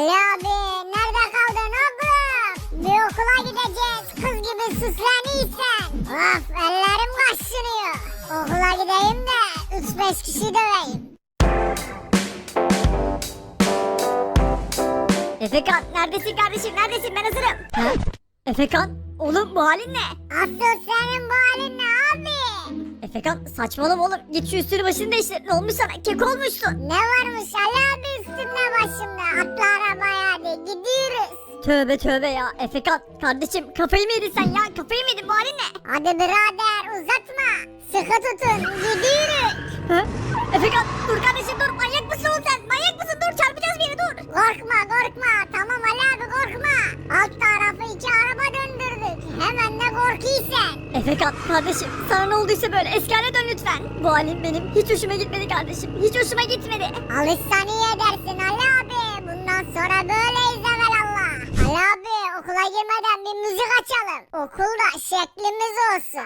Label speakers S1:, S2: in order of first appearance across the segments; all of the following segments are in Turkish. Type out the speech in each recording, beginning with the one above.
S1: Ali abi nerede kaldın oğlum? Bir okula gideceğiz. Kız gibi süsleniysen. Of ellerim kaşınıyor. Okula gideyim de 3-5 kişi döveyim.
S2: Efekan neredesin kardeşim neredesin ben hazırım. Ha? Efekan oğlum bu halin ne?
S1: Asıl senin bu halin ne abi?
S2: Efekan saçmalama oğlum git şu üstünü başını değiştir. Ne olmuş sana kek olmuşsun.
S1: Ne varmış Ali abi üstümde başımda? Atla arabaya hadi gidiyoruz.
S2: Tövbe tövbe ya Efekan kardeşim kafayı mı yedin sen ya kafayı mı yedin bu halin ne?
S1: Hadi birader uzatma. Sıkı tutun gidiyoruz.
S2: Ha? Efekan dur kardeşim dur manyak mısın oğlum sen manyak mısın dur çarpacağız bir yere dur.
S1: Korkma korkma tamam Ali abi korkma. Alt tarafı 2 araba döndürdük. Hemen de korkuyorsun.
S2: Efekan kardeşim sana ne olduysa böyle eski hale dön lütfen. Bu halin benim hiç hoşuma gitmedi kardeşim hiç hoşuma gitmedi.
S1: Alışsan iyi edersin Ali abi. Bundan sonra böyleyiz evelallah. Ali abi okula girmeden bir müzik açalım. Okulda şeklimiz olsun.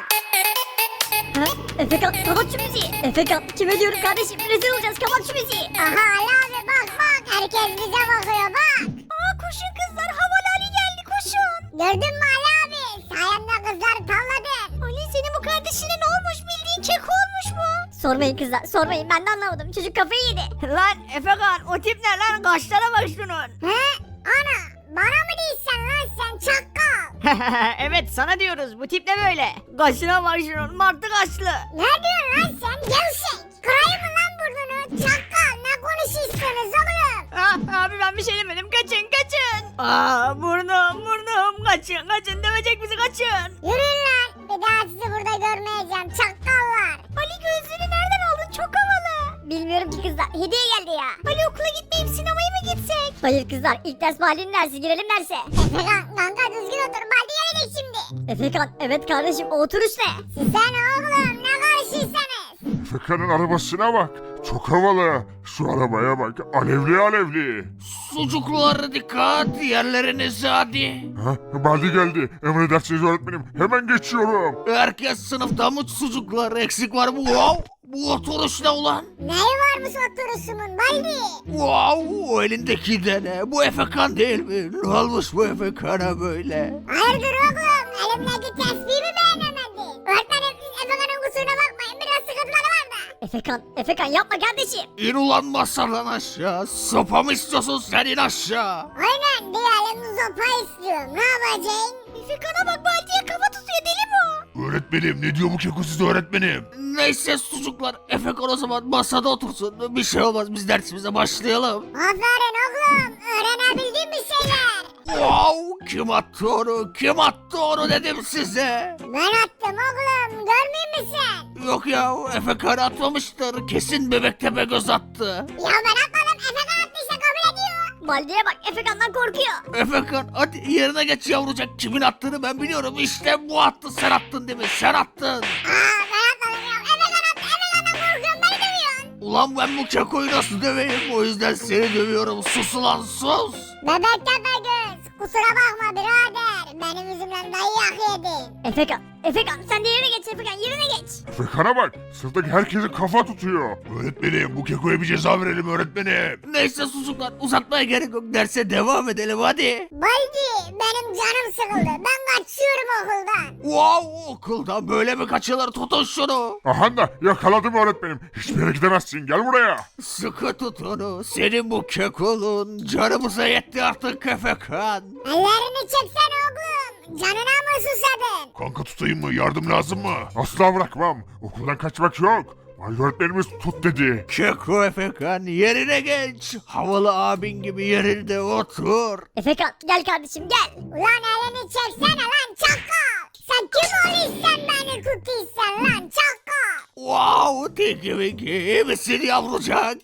S2: Ha? Efekan kapat şu müziği. Efekan kime diyorum kardeşim rezil olacağız kapat şu müziği.
S1: Aha Ali abi bak bak herkes bize bakıyor bak.
S2: Aa koşun kızlar havalı Ali geldi koşun.
S1: Gördün mü Ali abi? Sayende kızları tavladın.
S2: Ali senin bu kardeşine ne olmuş bildiğin kek olmuş mu? Sormayın kızlar sormayın ben de anlamadım çocuk kafayı yedi.
S3: Lan Efekan o tip ne lan kaşlara bak şunun.
S1: He? Ana bana mı değilsen lan sen çakal?
S3: Evet sana diyoruz bu tip ne böyle? Kaşına bak şunun martı kaşlı.
S1: Ne diyorsun lan sen gevşek? Kırayım mı lan burnunu? Çakal ne konuşuyorsunuz oğlum?
S3: Ah abi ben bir şey demedim kaçın kaçın. Aa burnum kaçın dövecek bizi kaçın.
S1: Yürüyün lan. Bir daha sizi burada görmeyeceğim çakallar.
S2: Ali gözlüğünü nereden aldın çok havalı. Bilmiyorum ki kızlar hediye geldi ya. Ali okula gitmeyip sinemaya mı gitsek? Hayır kızlar ilk ders mahallenin dersi girelim derse.
S1: Efekan kanka düzgün otur. Baldi gelecek şimdi.
S2: Efekan evet kardeşim o oturuş ne?
S1: Sen oğlum ne karışıysanız.
S4: Efekan'ın arabasına bak. Çok havalı. Şu arabaya bak. Alevli alevli.
S5: Sucuklar dikkat yerlerinize hadi.
S4: Ha, Baldi geldi. Emredersiniz öğretmenim. Hemen geçiyorum.
S5: Herkes sınıfta mı sucuklar eksik var mı? Wow! Bu oturuş ne ulan?
S1: Neyi varmış oturuşumun Baldi?
S5: Wow! O elindeki de ne? Bu Efekan değil mi? Ne olmuş bu Efekan'a böyle?
S1: Hayırdır oğlum? Elimdeki tesbihi mi beğenemedin? Öğretmenim siz Efekan'ın kusuruna bakmayın. Biraz sıkıntıları var da.
S2: Efekan yapma kardeşim.
S5: İn ulan masadan aşağı. Sopa mı istiyorsun sen in aşağı?
S1: Aynen diyelim zopa istiyorum. Ne yapacaksın?
S2: Efekan'a bak Baldi'ye kafa tutuyor deli bu.
S4: Öğretmenim ne diyor bu kekosiz öğretmenim?
S5: Neyse sucuklar Efekan o zaman masada otursun. Bir şey olmaz biz dersimize başlayalım.
S1: Aferin oğlum. Öğrenebildiğin bir şeyler.
S5: Wow! Kim attı onu? Kim attı onu dedim size.
S1: Ben attım oğlum. Görmüyor musun?
S5: Yok ya Efekan atmamıştır. Kesin bebek tepe göz attı.
S1: Ya ben atmadım. Efekan attıysa kabul ediyor.
S2: Baldi'ye bak Efekan'dan korkuyor.
S5: Efekan hadi yerine geç yavrucak. Kimin attığını ben biliyorum. İşte bu attı. Sen attın değil mi? Sen attın.
S1: Ben atmadım ya. Efekan attı. Efekan'dan korkuyorum. Beni dövüyorsun.
S5: Ulan ben bu kekoyu nasıl döveyim? O yüzden seni dövüyorum. Sus ulan sus.
S1: Bebek tepe göz. Kusura bakma birader. Benim yüzümden dayak yedin.
S2: Efekan sen de yerine geç Efekan yerine geç.
S4: Efekan'a bak. Sınıftaki herkesi kafa tutuyor. Öğretmenim bu kekoya bir ceza verelim öğretmenim.
S5: Neyse sucuklar uzatmaya gerek yok. Derse devam edelim hadi.
S1: Baldi benim canım sıkıldı. Ben kaçıyorum okuldan.
S5: Wow okuldan böyle mi kaçılır? Tutun şunu.
S4: Aha da yakaladım öğretmenim. Hiçbir yere gidemezsin. Gel buraya.
S5: Sıkı tut onu. Senin bu kekolun canımıza yetti artık Efekan.
S1: Ellerini çeksene oğlum. Canına mı susadın?
S4: Kanka tutayım mı? Yardım lazım mı? Asla bırakmam. Okuldan kaçmak yok. Vay öğretmenimiz tut dedi.
S5: Keko Efekan yerine geç. Havalı abin gibi yerinde otur.
S2: Efekan gel kardeşim gel.
S1: Ulan elini çeksene lan çakal. Sen kim oluyorsan beni tutuyorsan lan çakal.
S5: Wow Tinky Winky iyi misin yavrucak?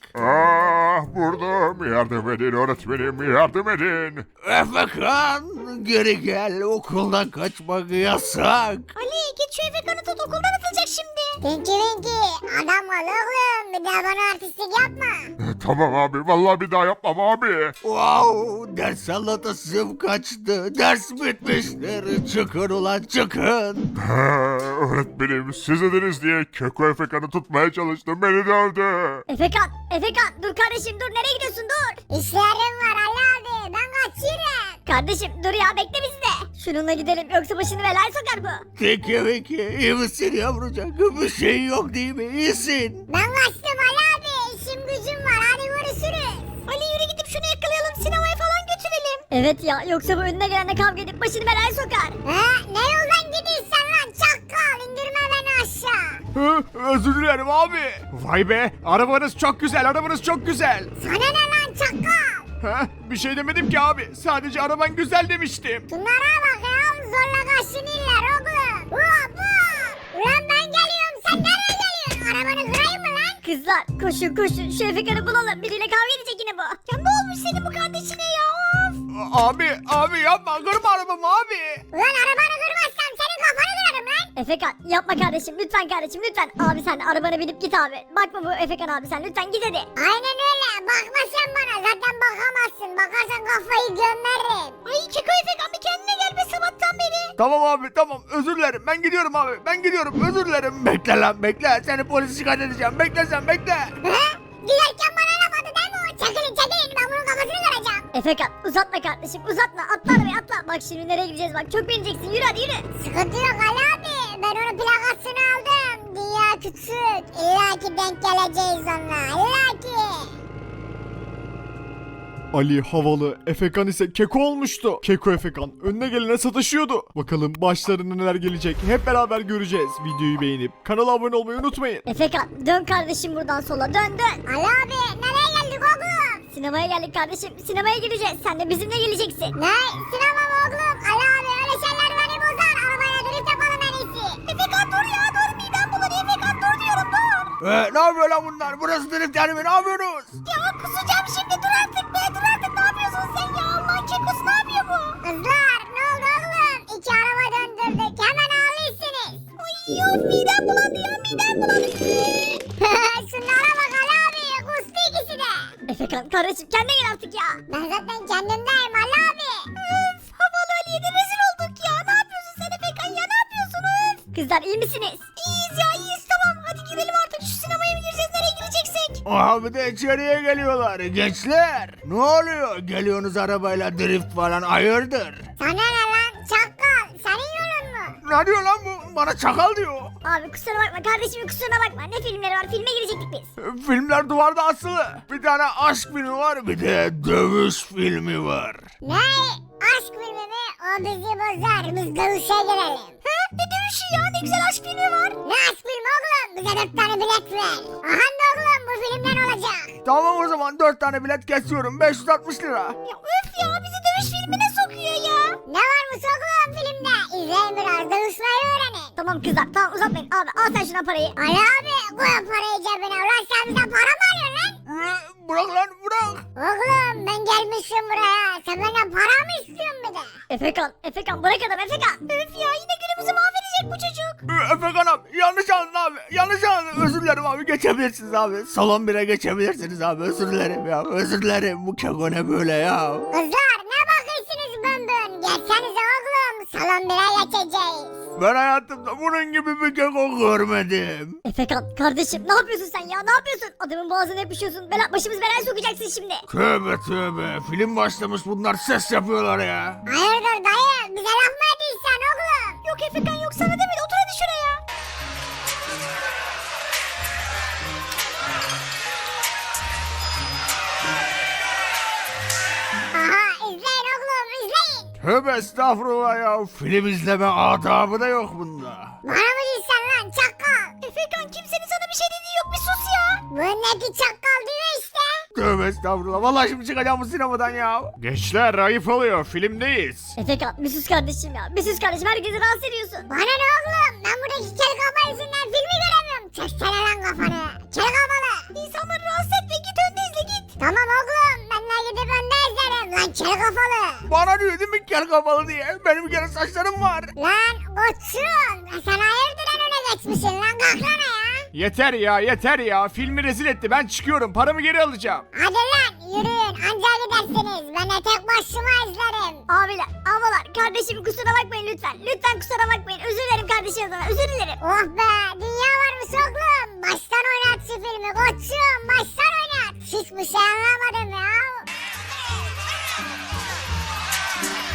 S4: Ah vurdum. Yardım edin öğretmenim. Yardım edin.
S5: Efekan geri gel okuldan kaçmak yasak.
S2: Ali git şu Efekan'ı tut okuldan atılacak şimdi.
S1: Tinky Winky adam ol oğlum. Bir daha bana artistlik yapma.
S4: Tamam abi. Vallahi bir daha yapmam abi.
S5: Wow ders anlatasım kaçtı. Ders bitmiştir. Çıkın ulan çıkın.
S4: Öğretmenim siz dediniz diye Keko Efekan'ı tutmaya çalıştım. Beni dövdü.
S2: Efekan dur kardeşim dur nereye gidiyorsun dur.
S1: İşlerim var Ali abi.
S2: Kardeşim dur ya bekle bizi de. Şununla gidelim yoksa başını belaya sokar bu.
S5: Peki iyi misin yavrucak? Bir şey yok değil mi? İyisin.
S1: Ben kaçtım Ali abi. İşim gücüm var. Hadi görüşürüz.
S2: Ali yürü gidip şunu yakalayalım sinemaya falan götürelim. Evet ya yoksa bu önüne gelenle kavga edip başını belaya sokar.
S1: Ne yoldan gidiyorsun lan çakal? İndirme beni aşağı.
S6: Özür dilerim abi. Vay be arabanız çok güzel arabanız çok güzel.
S1: Sana ne lan çakal?
S6: Bir şey demedim ki abi. Sadece araban güzel demiştim.
S1: Şunlara bak ya. Zorla kaşınırlar oğlum. Hop hop. Ulan ben geliyorum. Sen nereye geliyorsun? Arabanı kırayım mı lan?
S2: Kızlar koşun şu Efekan'ı bulalım. Biriyle kavga edecek yine bu. Ya ne olmuş senin bu kardeşine ya of.
S6: Abi yapma kırma arabamı abi.
S1: Ulan arabanı kırmazsam senin kafanı kırarım lan.
S2: Efekan yapma kardeşim lütfen kardeşim lütfen. Abi sen arabana binip git abi. Bakma bu Efekan abi sen lütfen git hadi.
S1: Aynen öyle. Bakma sen bana. Zaten bakamazsın. Bakarsan kafayı gömerim.
S2: Ay Keko Efekan bir kendine gel be sabahtan beri.
S6: Tamam abi tamam özür dilerim ben gidiyorum abi ben gidiyorum özür dilerim.
S5: Bekle lan bekle. Seni polise şikayet edeceğim. Bekle sen bekle.
S1: Giderken bana laf attı değil mi o? Çekilin ben bunun kafasını kıracağım.
S2: Efekan uzatma kardeşim uzatma atla arabaya atla. Bak şimdi nereye gideceğiz bak çok bineceksin yürü hadi yürü.
S1: Sıkıntı yok Ali abi. Ben onun plakasını aldım. Dünya küçük. İlla ki denk geleceğiz onunla. İlla ki.
S6: Ali havalı, Efekan ise Keko olmuştu. Keko Efekan önüne gelene sataşıyordu. Bakalım başlarına neler gelecek hep beraber göreceğiz. Videoyu beğenip kanala abone olmayı unutmayın.
S2: Efekan dön kardeşim buradan sola dön.
S1: Ali abi nereye geldik oğlum?
S2: Sinemaya geldik kardeşim sinemaya gideceğiz. Sen de bizimle geleceksin.
S1: Ne? Sinema mı oğlum? Ali abi öyle şeyler beni bozar. Arabaya drift yapalım en iyisi.
S2: Efekan dur ya dur midem bulanıyor Efekan dur diyorum dur.
S5: Ne yapıyor lan bunlar? Burası drift yani mi? Ne yapıyorsunuz?
S2: Ya kusacağım şimdi dur artık be dur artık ne yapıyorsun sen ya Allah'ın kekosu ne yapıyor bu?
S1: Kızlar ne oldu oğlum? İki araba döndürdük. Hemen ağlıyorsunuz.
S2: Ay yok midem bulandı ya midem bulandı.
S1: Şunlara bak Ali abi. Kustu ikisi de.
S2: Efekan kardeşim kendine gel artık ya.
S1: Ben zaten kendimdeyim Ali abi.
S2: Öf havalı Ali'ye de rezil olduk ya ne yapıyorsun sen Efekan ya ne yapıyorsun öf. Kızlar iyi misiniz? İyiyiz ya iyiyiz tamam hadi girelim artık şu sinemaya mı gireceğiz nereye gireceksek?
S5: Abi de içeriye geliyorlar. Gençler. Ne oluyor? Geliyorsunuz arabayla drift falan hayırdır?
S1: Sana ne lan çakal? Senin yolun mu?
S5: Ne diyor lan bu? Bana çakal diyor.
S2: Abi kusura bakma kardeşim kusuruna bakma ne filmleri var filme girecektik biz.
S5: Filmler duvarda asılı. Bir tane aşk filmi var, bir de dövüş filmi var.
S1: Ne? Aşk filmi mi? O bizi bozar. Biz dövüşe girelim.
S2: Ne dövüşü ya ne güzel aşk filmi var.
S1: Ne aşk filmi oğlum? Bize 4 tane bilet ver. Aha da oğlum bu filmden olacak.
S5: Tamam o zaman 4 tane bilet kesiyorum. 560 lira.
S2: Ya öf ya bizi dövüş filmine sokuyor ya.
S1: Ne varmış oğlum filmde? İzleyin biraz dövüşmeyi öğrenin.
S2: Tamam kızlar tamam uzatmayın abi al sen şuna parayı.
S1: Ali abi koy parayı cebine. Ulan sen bize para mı arıyorsun lan?
S5: Bırak lan bırak.
S1: Oğlum ben gelmişim buraya. Sen benden para mı istiyorsun bir de?
S2: Efekan bırak adam Efekan. Öf ya yine günümüzü mahvedecek bu çocuk.
S5: Efekan abi yanlış anladın abi. Yanlış anladın. Özür dilerim abi geçebilirsiniz abi. Salon 1'e geçebilirsiniz abi. Özür dilerim ya. Özür dilerim. Bu keko ne böyle ya.
S1: Kızlar ne bakıyorsunuz bön bön? Gelsenize oğlum. Salon 1'e geçeceğiz.
S5: Ben hayatımda bunun gibi bir keko görmedim.
S2: Efekan kardeşim ne yapıyorsun sen ya ne yapıyorsun? Adamın boğazına yapışıyorsun. Başımız belaya sokacaksın şimdi.
S5: Tövbe tövbe. Film başlamış bunlar ses yapıyorlar ya.
S1: Hayırdır dayı? Bize laf mı ediyorsun oğlum?
S2: Yok Efekan yok sana demedi otur hadi şuraya.
S1: Aha izleyin oğlum izleyin.
S5: Tövbe estağfurullah ya. Film izleme adabı da yok bunda.
S1: Bana mı diyorsun lan çakal?
S2: Efekan kimsenin sana bir şey dediği yok bir sus ya.
S1: Bu öndeki çakal diyor işte.
S5: Tövbe estağfurullah. Vallahi şimdi çıkacağım bu sinemadan ya.
S6: Gençler ayıp oluyor filmdeyiz.
S2: Efekan bir sus kardeşim ya bir sus kardeşim herkesi rahatsız ediyorsun.
S1: Bana ne oğlum? Ben buradaki kel kafa yüzünden filmi göremiyorum. Çeksene lan kafanı. Kel kafalı.
S2: İnsanları rahatsız etme git önde izle git.
S1: Tamam oğlum. Ben de gidip önde izlerim. Lan kel kafalı.
S5: Bana diyor değil mi kel kafalı diye. Benim bir kere saçlarım var.
S1: Lan koçum. Sen hayırdır en öne geçmişsin lan. Kalk lan ya.
S6: Yeter ya filmi rezil etti ben çıkıyorum paramı geri alacağım.
S1: Hadi lan yürüyün. Anca gidersiniz. Ben de tek başıma izlerim.
S2: Abiler ablalar kardeşim kusura bakmayın lütfen. Lütfen kusura bakmayın özür dilerim kardeşim adına özür dilerim.
S1: Oh be. Dünya varmış oğlum. Baştan oynat şu filmi koçum. Baştan oynat. Hiçbir şey anlamadım ya.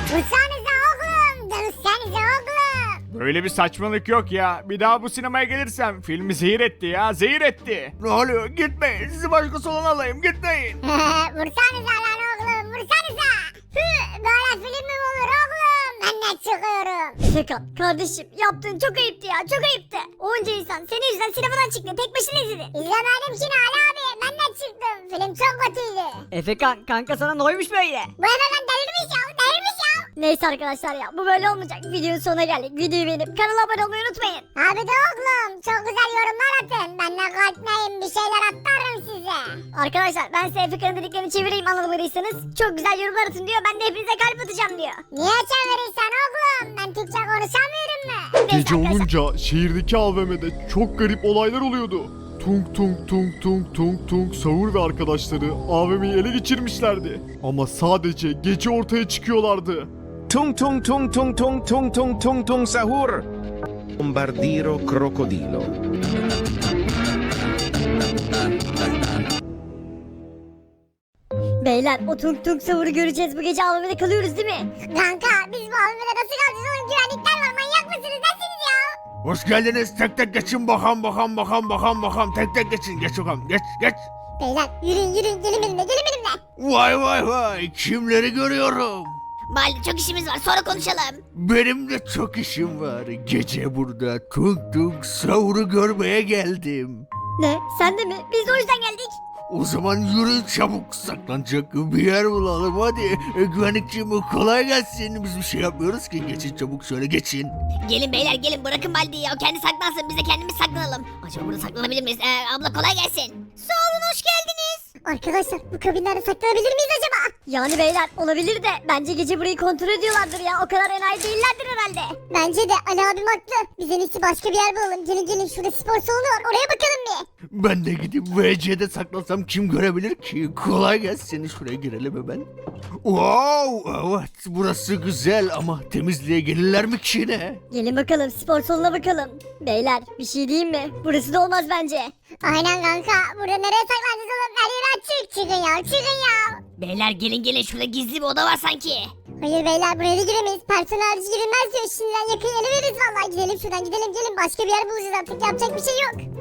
S1: Vursanıza oğlum. Dövüşsenize oğlum.
S6: Böyle bir saçmalık yok ya. Bir daha bu sinemaya gelirsem filmi zehir etti ya, zehir etti.
S5: Ne oluyor? Gitmeyin. Sizi başka salona alayım. Gitmeyin.
S1: Vursanıza lan oğlum. Vursanıza. Böyle film mi olur oğlum? Ben de çıkıyorum.
S2: Efekan kardeşim yaptığın çok ayıptı ya çok ayıptı. Onca insan senin yüzünden sinemadan çıktı tek başına izledi.
S1: İzlemedim ki Ali abi. Ben de çıktım. Film çok kötüydü.
S3: Efekan kanka sana ne oymuş böyle?
S1: Bu hemen delirmiş ya. Delirmiş ya.
S2: Neyse arkadaşlar ya bu böyle olmayacak. Videonun sonuna geldik. Videoyu beğenip kanala abone olmayı unutmayın.
S1: Abi de oğlum. Çok güzel yorumlar atın. Ben de kalkmayayım. Bir şeyler atarım size.
S2: Arkadaşlar ben size Efekan'ın dediklerini çevireyim anlamadıysanız. Çok güzel yorumlar atın diyor. Ben de hepinize kalp atacağım diyor.
S1: Niye çevirirsen oğlum? Ben Türkçe konuşamıyorum mu?
S2: Neyse
S6: Gece
S2: arkadaşlar.
S6: olunca şehirdeki AVM'de çok garip olaylar oluyordu. Tung tung tung tung tung tung Sahur ve arkadaşları AVM'yi ele geçirmişlerdi. Ama sadece gece ortaya çıkıyorlardı.
S7: Tung tung tung tung tung tung tung tung tung sahur. Bombardiro crocodilo.
S2: Beyler o tung tung savuru göreceğiz. Bu gece AVM'de kalıyoruz değil mi?
S1: Kanka biz bu AVM'de nasıl kalacağız oğlum? Güvenlikler var. Manyak mısınız? Nesiniz ya?
S5: Hoş geldiniz. Tek tek geçin bakalım. Tek tek geçin. Geç bakalım. Geç.
S1: Beyler yürüyün. Gelin benimle.
S5: Vay. Kimleri görüyorum?
S2: Baldi çok işimiz var sonra konuşalım.
S5: Benim de çok işim var. Gece burada tung tung sahuru görmeye geldim.
S2: Ne? Sen de mi? Biz de o yüzden geldik.
S5: O zaman yürüyün çabuk, saklanacak bir yer bulalım hadi. Güvenlikçim kolay gelsin. Biz bir şey yapmıyoruz ki. Geçin çabuk, şöyle geçin.
S2: Gelin beyler gelin bırakın Baldi'yi ya. O kendi saklansın biz de kendimiz saklanalım. Acaba burada saklanabilir miyiz? Abla kolay gelsin. Sağ olun hoş geldiniz.
S1: Arkadaşlar bu kabinlerde saklanabilir miyiz acaba?
S2: Yani beyler olabilir de bence gece burayı kontrol ediyorlardır ya. O kadar enayi değillerdir herhalde.
S1: Bence de Ali abim haklı. Biz en iyisi başka bir yer bulalım. Gelin şurada spor salonu var. Oraya bakalım bir.
S5: Ben de gidip VC'de saklansam kim görebilir ki? Kolay gelsin, şuraya girelim hemen. Wow, evet burası güzel ama temizliğe gelirler mi ki yine?
S2: Gelin bakalım spor salonuna bakalım. Beyler bir şey diyeyim mi? Burası da olmaz bence.
S1: Aynen kanka. Burada nereye saklanacağız oğlum? Her yer açık. Çıkın ya.
S2: Beyler gelin şurada gizli bir oda var sanki.
S1: Hayır beyler buraya da giremeyiz. Personel harici girilmez diyor. Şimdiden yakın ele veririz vallahi. Gidelim şuradan gidelim. Başka bir yer bulacağız artık. Yapacak bir şey yok.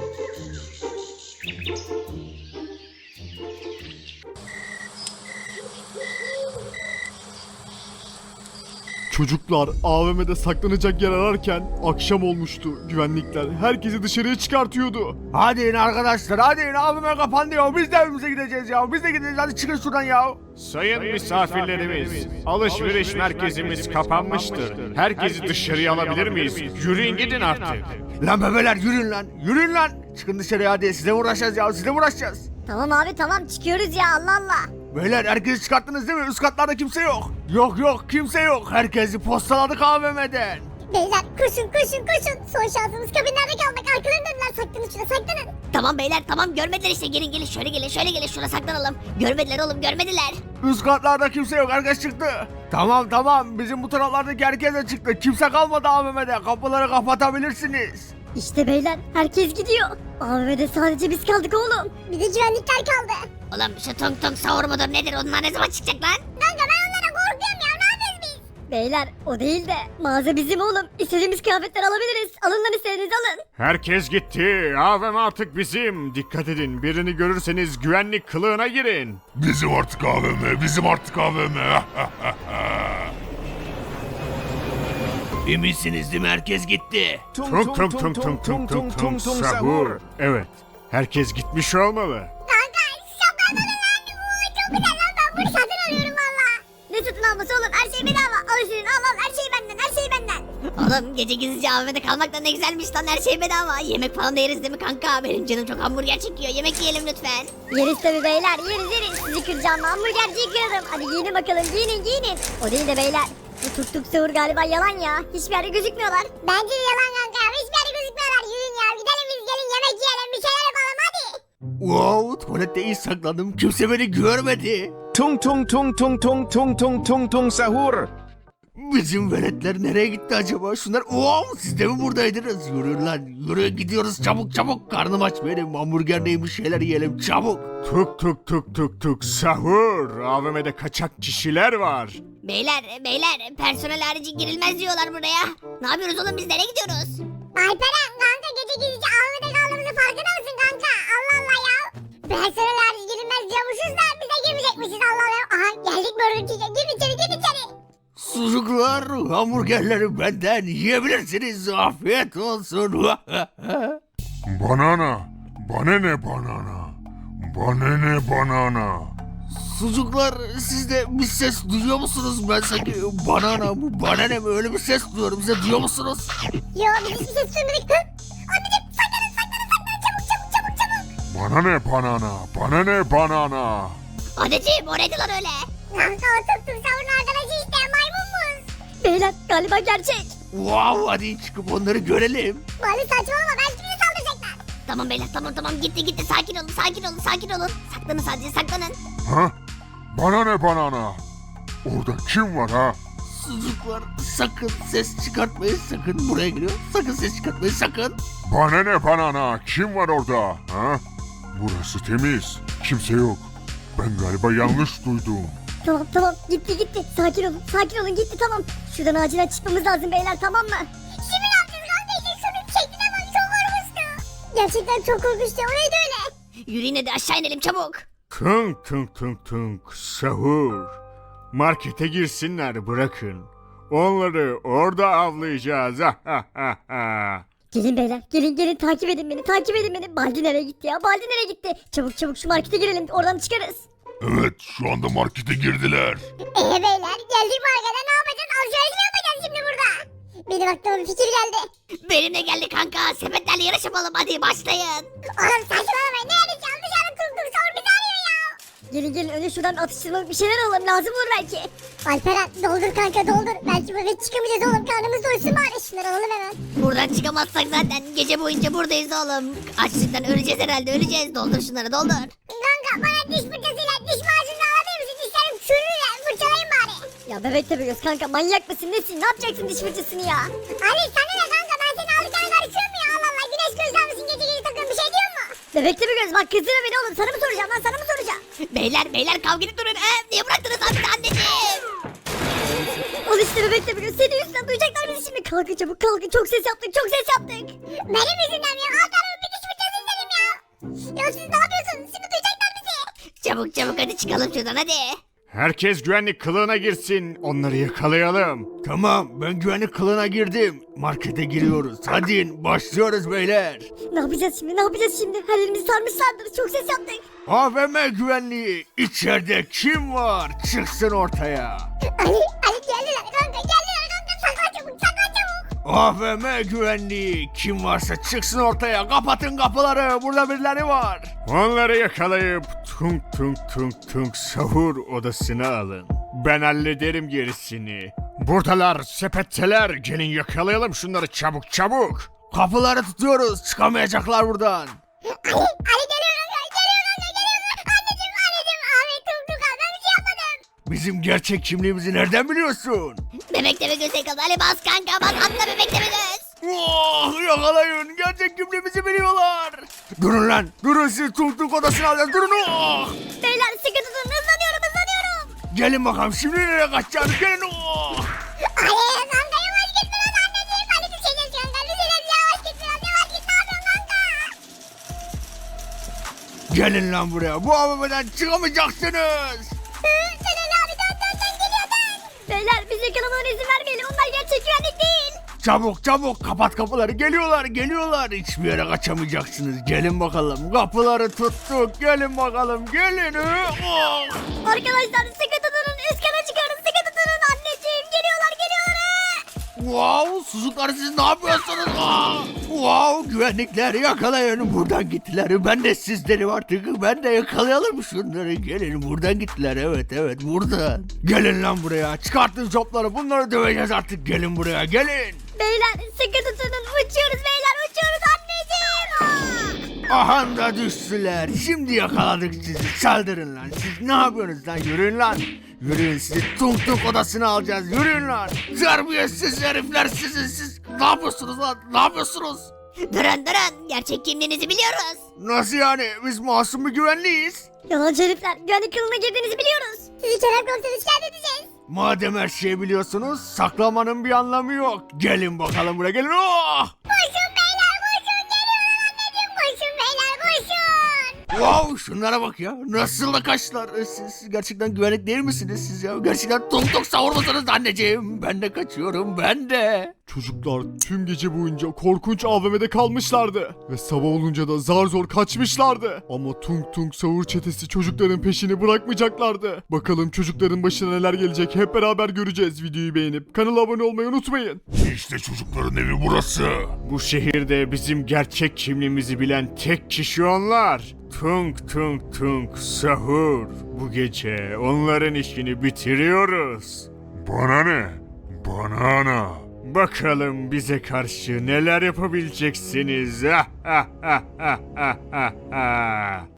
S6: Çocuklar AVM'de saklanacak yer ararken akşam olmuştu. Güvenlikler herkesi dışarıya çıkartıyordu.
S5: Hadi in arkadaşlar, hadi in, abime kapandı ya. Biz de evimize gideceğiz ya. Biz de gideceğiz, hadi çıkın şuradan ya.
S6: Sayın misafirlerimiz, alışveriş merkezimiz kapanmıştır. Herkesi dışarıya alabilir miyiz? Yürüyün gidin artık.
S5: Lan bebeler yürüyün lan. Çıkın dışarıya hadi, size uğraşacağız ya, size uğraşacağız.
S2: Tamam abi tamam çıkıyoruz ya Allah Allah.
S5: Beyler herkesi çıkarttınız değil mi? Üst katlarda kimse yok. Yok kimse yok. Herkesi postaladık AVM'den.
S1: Beyler koşun. Son şansımız kabinlerde kaldık. Arkalarını döndüler. Saklanın şurada saklanın.
S2: Tamam beyler tamam görmediler işte gelin şöyle gelin şurada saklanalım. Görmediler oğlum görmediler.
S5: Üst katlarda kimse yok. Herkes çıktı. Tamam. Bizim bu taraflardaki herkes de çıktı. Kimse kalmadı AVM'de. Kapıları kapatabilirsiniz.
S2: İşte beyler herkes gidiyor. AVM'de sadece biz kaldık oğlum.
S1: Bir de güvenlikler kaldı.
S2: Oğlum şu tung tung sahur mudur nedir onlar ne zaman çıkacak lan?
S1: Kanka ben onlara korkuyorum ya. Ne yapıyoruz biz?
S2: Beyler o değil de mağaza bizim oğlum. İstediğimiz kıyafetler alabiliriz. Alın lan istediğinizi alın.
S6: Herkes gitti. AVM artık bizim. Dikkat edin. Birini görürseniz güvenlik kılığına girin.
S4: Bizim artık AVM.
S5: Eminsiniz değil mi? Herkes gitti.
S6: Tung tung tung sahur. Evet. Herkes gitmiş olmalı.
S1: Kanka şapkadan lan. Çok güzel lan. Ben bunu satın alıyorum valla.
S2: Ne satın alması oğlum her şey bedava. Al istediğin al her şey benden. Oğlum gece gizlice AVM'de kalmak da ne güzelmiş lan her şey bedava. Yemek falan da yeriz değil mi kanka? Benim canım çok hamburger çekiyor. Yemek yiyelim lütfen. Yeriz tabi beyler yeriz. Sizi kıracağım hamburgerciyi kırarım. Hadi giyinin bakalım giyinin. O değil de beyler. Bu tuk sahur galiba yalan ya. Hiçbir yerde gözükmüyorlar.
S1: Bence de yalan kanka. Hiçbir yere gözükmüyorlar. Yürüyün ya. Gidelim biz gelin yemek yiyelim. Bir şeyler yapalım hadi.
S5: Wow, tuvalette iyi saklandım. Kimse beni görmedi.
S7: Tung tung tung tung tung tung tung tung tung sahur.
S5: Bizim veletler nereye gitti acaba? Şunlar wow, siz de mi buradaydınız? Yürü lan, yürü gidiyoruz çabuk. Karnım aç benim. Hamburger neymiş, şeyler yiyelim çabuk.
S6: Tuk sahur. AVM'de kaçak kişiler var.
S2: Beyler personel harici girilmez diyorlar buraya. Ne yapıyoruz oğlum biz nereye gidiyoruz?
S1: Alperen kanka gece gizlice Ahmet'e kaldığımızın farkında mısın kanka? Allah Allah ya. Personel harici girilmez diyormuşuz da bize girmeyecekmişiz Allah Allah. Aha geldik Burger King'e. Gir içeri.
S5: Sucuklar, hamburgerleri benden yiyebilirsiniz. Afiyet olsun.
S4: Banana. Bana ne banana? Bana ne banana?
S5: Sucuklar, siz de bir ses duyuyor musunuz? Ben sanki banana mı, banana mı öyle bir ses duyuyorum. Siz de duyuyor musunuz?
S1: Yo biz hiçbir ses duymadık. Hı? Anneciğim saklanın çabuk.
S4: Bana ne banana? Bana ne banana?
S2: Anneciğim o neydi lan öyle?
S1: Kanka o tıp savunun arkadaşı işte maymunmuş.
S2: Beyler galiba gerçek.
S5: Wow, hadi çıkıp onları görelim.
S1: Bari saçmalama belki bize saldıracaklar.
S2: Tamam beyler tamam gitti sakin olun. Saklanın sadece saklanın.
S4: Ha? Bana ne banana? Orada kim var ha?
S5: Sucuklar, sakın ses çıkartmayın, sakın buraya geliyor. Sakın ses çıkartmayın, sakın.
S4: Bana ne banana? Kim var orada? Ha? Burası temiz. Kimse yok. Ben galiba yanlış duydum.
S2: Tamam gitti. Sakin olun gitti tamam. Şuradan acilen çıkmamız lazım beyler tamam mı?
S1: Şimdi ne yapacağız kanka işte şunun şekline bak çok korkunçtu. Gerçekten çok korkunçtu o neydi öyle?
S2: Yürüyün hadi aşağı inelim çabuk.
S6: Tunk tunk tunk tunk sahur. Markete girsinler bırakın. Onları orada avlayacağız.
S2: Gelin beyler gelin takip edin beni. Baldi nereye gitti ya? Çabuk şu markete girelim oradan çıkarız.
S4: Evet, şu anda markete girdiler.
S1: Beyler geldik markete ne yapacağız alışveriş mi yapacağız şimdi burada? Benim aklıma bir fikir geldi.
S2: Benimle geldi kanka sepetlerle yarış yapalım hadi başlayın.
S1: Oğlum saçmalamayın ne yarışacağız dışarı tuk savur bizi arıyor ya.
S2: Gelin önce şuradan atıştırmalık bir şeyler alalım lazım olur belki.
S1: Alperen doldur kanka doldur. Belki böyle çıkamayacağız oğlum karnımız doysun bari şunları alalım hemen.
S2: Buradan çıkamazsak zaten gece boyunca buradayız oğlum. Açlıktan öleceğiz herhalde öleceğiz. Doldur şunları doldur.
S1: Kanka bana diş fırçasıyla diş macunu alabilir misin? Dişlerim çürür fırçalayın bari.
S2: Ya bebek tabi göz kanka manyak mısın nesin? Ne yapacaksın diş fırçasını ya?
S1: Ali sana ne kanka ben seni alırken karışıyorum ya Allah Allah. Güneş gözler misin gece gece takıyorum bir şey diyor mu?
S2: Bebek tabi göz bak kızdırma beni oğlum sana mı soracağım lan sana mı soracağım? Beyler kavga edip durun. Niye bıraktınız abi anneciğim? Al işte bebek tabi göz senin yüzünden duyacaklar bizi şimdi. Kalkın çabuk kalkın çok ses yaptık.
S1: Benim yüzümden mi ya? Alt tarafı bir diş fırçası istedim ya. Ya siz ne yapıyorsunuz? Şimdi duyacaklar bizi.
S2: Çabuk hadi çıkalım şuradan hadi.
S6: Herkes güvenlik kılığına girsin. Onları yakalayalım.
S5: Tamam, ben güvenlik kılığına girdim. Markete giriyoruz. Hadi in, başlıyoruz beyler.
S2: Ne yapacağız şimdi? Her yerimizi sarmışlardır. Çok ses yaptık.
S5: AVM güvenliği, içeride kim var? Çıksın ortaya.
S1: Ali geldiler kanka saklan çabuk.
S5: AVM güvenliği, kim varsa çıksın ortaya. Kapatın kapıları, burada birileri var.
S6: Onları yakalayıp tunk tunk tunk tunk sahur odasına alın. Ben hallederim gerisini. Buradalar, sepetteler. Gelin yakalayalım şunları çabuk çabuk.
S5: Kapıları tutuyoruz, çıkamayacaklar buradan.
S1: Ali geliyor anneciğim Ahmet tuk al ben bir şey yapmadım.
S5: Bizim gerçek kimliğimizi nereden biliyorsun?
S2: Bebek deme göz yakaladı. Ali bas kanka bas atla bebek deme göz.
S5: Oh, yakalayın, gerçek kimliğimizi biliyorlar. Durun lan, durun, siz tunk tunk odasına alın, durun. Oh.
S2: Beyler sıkı tutun hızlanıyorum.
S5: Gelin bakalım, şimdi nereye kaçacağız, gelin. Oh.
S1: Ali kanka yavaş git biraz anneciğim. Ali bir şey geçiyorsun kanka. Yavaş git biraz ne yapıyorsun kanka?
S5: Gelin lan buraya, bu AVM'den çıkamayacaksınız.
S1: Sen Ali abi dön geliyor dön.
S2: Beyler biz yakalamalarına izin vermeyelim. Onlar gerçek güvenlik değil.
S5: Çabuk kapat kapıları, geliyorlar. Hiçbir yere kaçamayacaksınız. Gelin bakalım, kapıları tuttuk, gelin bakalım, gelin. Oh.
S2: Arkadaşlar sıkı tutunun. Üst kata çıkarın sıkı tutunun. Anneciğim geliyorlar.
S5: Wow, sucuklar siz ne yapıyorsunuz? Ah! Wow, güvenlikler yakalayın, buradan gittiler. Ben de sizleri artık, ben de yakalayalım şunları. Gelin, buradan gittiler, evet buradan. Gelin lan buraya, çıkartın copları, bunları döveceğiz artık. Gelin buraya, gelin.
S2: Beyler sıkı tutunun. Uçuyoruz anneciğim.
S5: Aha da düştüler. Şimdi yakaladık sizi. Saldırın lan. Siz ne yapıyorsunuz lan? Yürüyün lan. Yürüyün, sizi tunk tunk odasına alacağız. Yürüyün lan. Terbiyesiz herifler sizi. Siz ne yapıyorsunuz lan? Ne yapıyorsunuz?
S2: Durun. Gerçek kimliğinizi biliyoruz.
S5: Nasıl yani? Biz masum bir güvenliyiz.
S2: Yalancı herifler. Güvenlik kılığına girdiğinizi biliyoruz.
S1: Sizi Kerem komiseri şikayet edeceğiz.
S6: Madem her şeyi biliyorsunuz saklamanın bir anlamı yok. Gelin bakalım buraya gelin. Oh!
S1: Koşun beyler koşun geliyorlar anneciğim koşun beyler koşun.
S5: Wow şunlara bak ya. Nasıl da kaçtılar. Siz gerçekten güvenlik değil misiniz siz ya? Gerçekten tung tung sahur musunuz anneciğim? Ben de kaçıyorum ben de.
S6: Çocuklar tüm gece boyunca korkunç AVM'de kalmışlardı. Ve sabah olunca da zar zor kaçmışlardı. Ama Tung Tung Sahur çetesi çocukların peşini bırakmayacaklardı. Bakalım çocukların başına neler gelecek hep beraber göreceğiz. Videoyu beğenip kanala abone olmayı unutmayın.
S4: İşte çocukların evi burası.
S6: Bu şehirde bizim gerçek kimliğimizi bilen tek kişi onlar. Tung Tung Tung Sahur. Bu gece onların işini bitiriyoruz.
S4: Bana ne? Bana ana.
S6: Bakalım bize karşı neler yapabileceksiniz.